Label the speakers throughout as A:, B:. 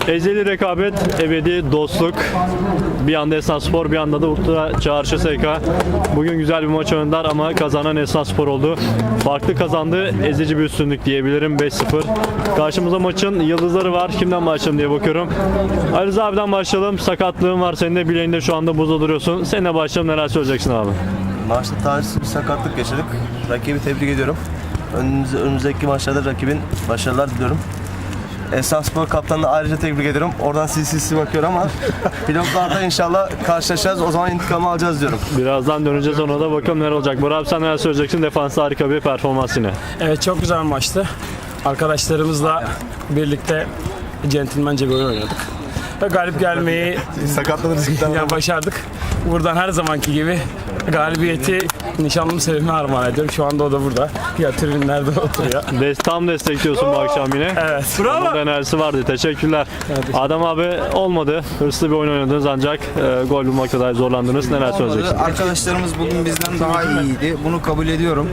A: Ezeli rekabet, ebedi dostluk. Bir yanda Esenspor, bir yanda da Ultra Çağrı SK. Bugün güzel bir maç oynadılar ama kazanan Esenspor oldu. Farklı kazandı, ezici bir üstünlük diyebilirim, 5-0. Karşımızda maçın yıldızları var. Kimden başlayalım diye bakıyorum. Ali Rıza abiden başlayalım. Sakatlığın var senin de, bileğinde şu anda buzda duruyorsun. Seninle başlayalım, neler söyleyeceksin abi?
B: Maçta talihsiz bir sakatlık yaşadık. Rakibi tebrik ediyorum. Önümüzdeki maçlarda rakibin başarılar diliyorum. Esenspor kaptanını ayrıca tebrik ediyorum. Oradan silsilsi bakıyor ama pilotlarda inşallah karşılaşacağız. O zaman intikamı alacağız diyorum.
A: Birazdan döneceğiz, ona da bakalım neler olacak. Burak abi sen neler söyleyeceksin? Defansta harika bir performans yine.
C: Evet, çok güzel bir maçtı. Arkadaşlarımızla birlikte centilmence bir oyun oynadık. Ve galip gelmeyi başardık. Buradan her zamanki gibi galibiyeti nişanlım Sevim'e armağan ediyorum. Şu anda o da burada. Ya tribünlerde oturuyor.
A: Tam destekliyorsun bu akşam yine.
C: Evet.
A: Onun da enerjisi vardı. Teşekkürler. Adam abi olmadı. Hırslı bir oyun oynadınız ancak gol bulmakta dahi zorlandınız. Neler söyleyeceksin?
D: Arkadaşlarımız bugün bizden daha iyiydi. Bunu kabul ediyorum.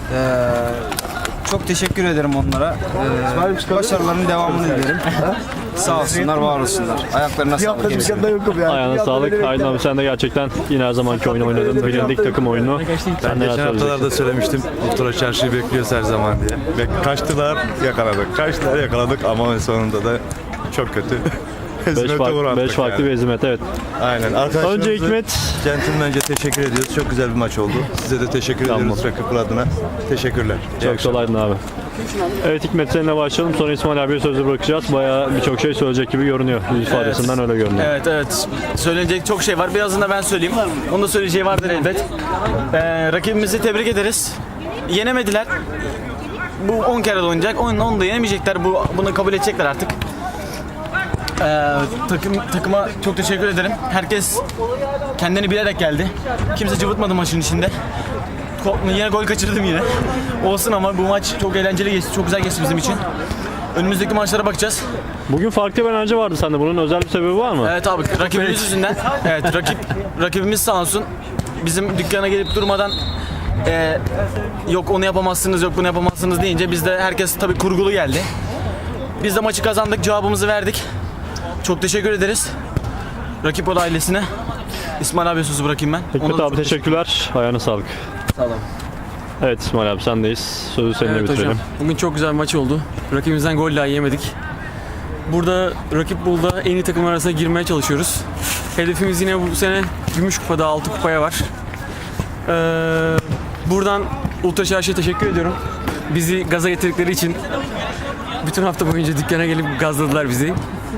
D: Çok teşekkür ederim onlara. Başarılarının devamını dilerim. Sağ olsunlar, var olsunlar. Ayaklarına sağlık.
A: Ayağına sağlık. Aydın abi sen de gerçekten yine her zamanki oyunu oynadın. Bilindik takım oyunu. Sen neler
E: Geçen haftalarda
A: söyleyeceksin?
E: söylemiştim. Ultra Çarşı'yı bekliyoruz her zaman diye. Ve kaçtılar, yakaladık. Kaçtılar, yakaladık ama en sonunda da çok kötü.
A: 5 farklı bir ezimet, evet.
E: Aynen. Arkadaşlarımıza
A: Önce Hikmet.
E: centilmence teşekkür ediyoruz. Çok güzel bir maç oldu. Size de teşekkür ediyoruz rakipler adına. Teşekkürler.
A: Çok sağ ol Aydın abi. Evet Hikmet, seninle başlayalım. Sonra İsmail abiye sözü bırakacağız. Bayağı birçok şey söyleyecek gibi görünüyor. Yüz ifadesinden öyle görünüyor.
F: Evet. Söylenecek çok şey var. Birazdan da ben söyleyeyim. Onun da söyleyeceği vardır elbet. Rakibimizi tebrik ederiz. Yenemediler. Bu 10 kere de oynayacak. Onu da yenemeyecekler. Bunu kabul edecekler artık. Takıma çok teşekkür ederim. Herkes kendini bilerek geldi. Kimse cıvıtmadı maçın içinde. Yine gol kaçırdım yine. Olsun ama bu maç çok eğlenceli geçti. Çok güzel geçti bizim için. Önümüzdeki maçlara bakacağız.
A: Bugün farklı bir enerji vardı sende. Bunun özel bir sebebi var mı?
F: Evet abi, rakibimiz yüzünden. Evet, rakibimiz sağ olsun. Bizim dükkana gelip durmadan yok onu yapamazsınız, yok bunu yapamazsınız deyince biz de herkes tabii kurgulu geldi. Biz de maçı kazandık, cevabımızı verdik. Çok teşekkür ederiz. Rakip Oda ailesine. İsmail abiye sözü bırakayım ben.
A: Hikmet abi teşekkürler. Ayağına sağlık.
F: Sağ olun.
A: Evet İsmail abi sendeyiz. Sözü seninle
C: Evet
A: bitirelim.
C: hocam. Bugün çok güzel bir maç oldu. Rakibimizden gol daha yemedik. Burada rakip Bulda en iyi takım arasına girmeye çalışıyoruz. Hedefimiz yine bu sene Gümüş Kupa'da 6 kupaya var. Buradan Ultra Çarşı'ya teşekkür ediyorum. Bizi gaza getirdikleri için bütün hafta boyunca dükkana gelip gazladılar bizi.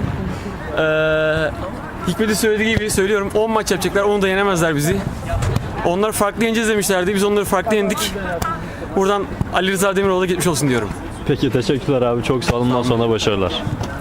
C: Hikmet'in söylediği gibi söylüyorum, 10 maç yapacaklar, onu da yenemezler bizi. Onlar farklı yeneceğiz demişlerdi, biz onları farklı yendik. Buradan Ali Rıza Demiroğlu'na geçmiş olsun diyorum.
A: Peki teşekkürler abi. Çok sağ olun. Bundan sonra başarılar.